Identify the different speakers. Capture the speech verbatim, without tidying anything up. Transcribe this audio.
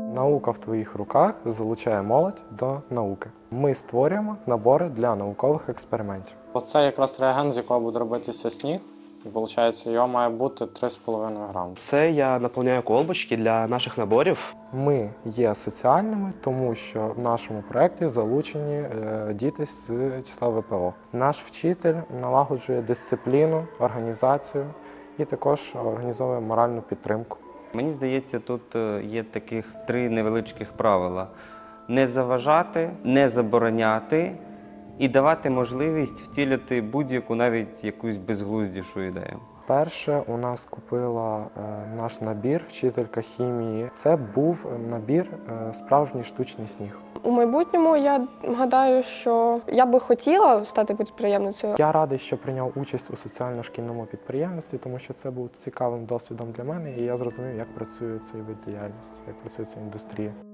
Speaker 1: Наука в твоїх руках залучає молодь до науки. Ми створюємо набори для наукових експериментів.
Speaker 2: Оце якраз реагент, з якого буде робитися сніг. І, виходить, його має бути три з половиною грами.
Speaker 3: Це я наповняю колбочки для наших наборів.
Speaker 1: Ми є соціальними, тому що в нашому проєкті залучені е, діти з числа В П О. Наш вчитель налагоджує дисципліну, організацію і також організовує моральну підтримку.
Speaker 4: Мені здається, тут є таких три невеличких правила. Не заважати, не забороняти і давати можливість втілити будь-яку, навіть якусь безглуздішу ідею.
Speaker 1: Перше у нас купила е, наш набір вчителька хімії. Це був набір е, справжній штучний сніг.
Speaker 5: У майбутньому я гадаю, що я би хотіла стати підприємницею.
Speaker 1: Я радий, що прийняв участь у соціально-шкільному підприємництві, тому що це був цікавим досвідом для мене, і я зрозумів, як працює цей вид діяльності, як працює ця індустрія.